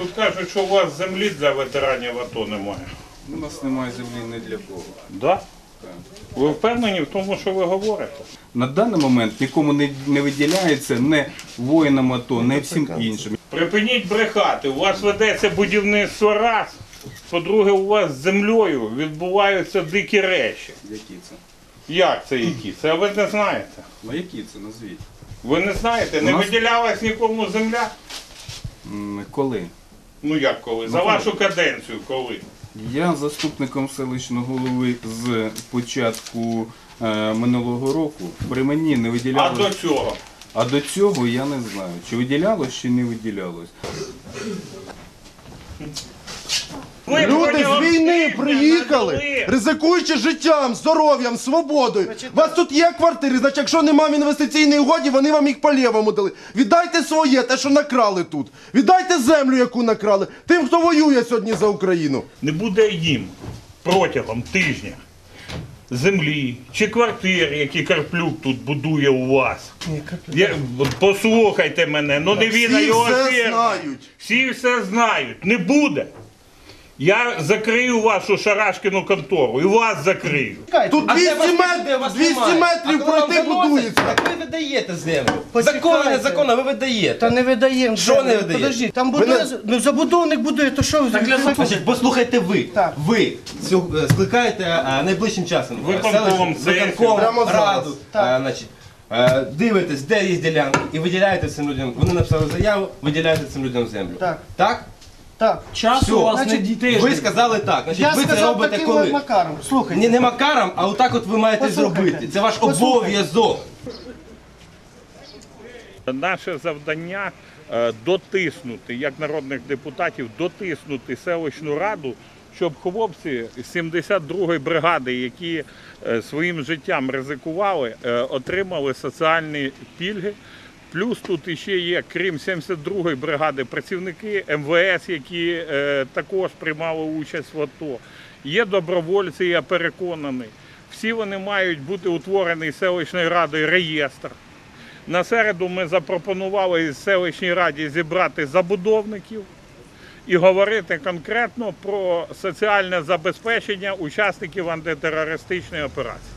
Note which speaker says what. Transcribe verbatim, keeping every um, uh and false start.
Speaker 1: Тут кажуть, що у вас землі для ветеранів АТО немає.
Speaker 2: У нас немає землі ні для кого.
Speaker 1: Да? Ви впевнені в тому, що ви говорите?
Speaker 2: На даний момент нікому не, не виділяється не воїнам АТО, не всім іншим.
Speaker 1: Припиніть брехати, у вас ведеться будівництво раз. По-друге, у вас з землею відбуваються дикі речі.
Speaker 2: Які це?
Speaker 1: Як це які? Це ви не знаєте.
Speaker 2: Ну які це, назвіть?
Speaker 1: Ви не знаєте, не
Speaker 2: У нас-
Speaker 1: виділялась нікому земля?
Speaker 2: М, Коли?
Speaker 1: Ну як коли? За
Speaker 2: Ну,
Speaker 1: вашу каденцію коли?
Speaker 2: Я заступником селищного голови з початку е, минулого року. При мені не
Speaker 1: А
Speaker 2: виділялось.
Speaker 1: до цього?
Speaker 2: А до цього я не знаю, чи виділялось, чи не виділялось.
Speaker 1: Ви
Speaker 3: Люди
Speaker 1: протягом
Speaker 3: з війни
Speaker 1: тижня
Speaker 3: приїхали,
Speaker 1: надали.
Speaker 3: ризикуючи життям, здоров'ям, свободою. У вас тут є квартири, значить, якщо немає в інвестиційній угоді, вони вам їх по-лєвому дали. Віддайте своє, те, що накрали тут. Віддайте землю, яку накрали, тим, хто воює сьогодні за Україну.
Speaker 1: Не буде їм протягом тижня землі чи квартир, які Карплюк тут будує у вас. Я, послухайте мене, ну не він, а
Speaker 3: Всі
Speaker 1: його
Speaker 3: все
Speaker 1: фірма.
Speaker 3: знають.
Speaker 1: Всі все знають. Не буде. Я закрию вашу шарашкіну контору і вас закрию.
Speaker 3: Тут
Speaker 4: А
Speaker 3: двісті
Speaker 4: де вас
Speaker 3: метрів,
Speaker 4: люди, вас
Speaker 3: двісті
Speaker 4: немає.
Speaker 3: метрів
Speaker 4: А коли вам
Speaker 3: пройти
Speaker 4: заносять,
Speaker 3: будується.
Speaker 4: Так ви видаєте землю.
Speaker 5: Почекайте.
Speaker 4: Законно, незаконно, ви видаєте.
Speaker 5: Та не видаємо.
Speaker 4: Що
Speaker 5: землю.
Speaker 4: не видаєте?
Speaker 5: Подожди, там
Speaker 3: Ви
Speaker 5: будує,
Speaker 3: не-
Speaker 5: ну забудовник будує, то що ви?
Speaker 4: Значить, послухайте ви.
Speaker 5: Так.
Speaker 4: Ви цю- е, скликаєте а, найближчим часом. е,
Speaker 1: Виконком
Speaker 4: селищну-
Speaker 1: сесію.
Speaker 4: виконком,
Speaker 3: Прямо зараз.
Speaker 4: раду. А, значить, е, дивитесь, де є ділянки, і виділяєте цим людям. Вони написали заяву, виділяєте цим людям землю.
Speaker 5: Так.
Speaker 4: Так?
Speaker 5: Так.
Speaker 4: Все.
Speaker 5: у вас не
Speaker 4: Значить,
Speaker 5: дітей.
Speaker 4: ви сказали так. Значить,
Speaker 5: Я
Speaker 4: ви це
Speaker 5: сказав
Speaker 4: робите
Speaker 5: таким
Speaker 4: коли?
Speaker 5: макаром. Слухай.
Speaker 4: Ні, не макаром, а отак от ви маєте
Speaker 5: Послухайте.
Speaker 4: зробити. Це ваш
Speaker 5: Послухайте.
Speaker 4: обов'язок.
Speaker 1: Наше завдання е, дотиснути, як народних депутатів, дотиснути селищну раду, щоб хлопці з сімдесят другої бригади, які е, своїм життям ризикували, е, отримали соціальні пільги. Плюс тут іще є, крім сімдесят другої бригади, працівники ем ве ес, які е, також приймали участь в АТО. Є добровольці, я переконаний. Всі вони мають бути утворений селищною радою реєстр. На середу ми запропонували з селищній раді зібрати забудовників і говорити конкретно про соціальне забезпечення учасників антитерористичної операції.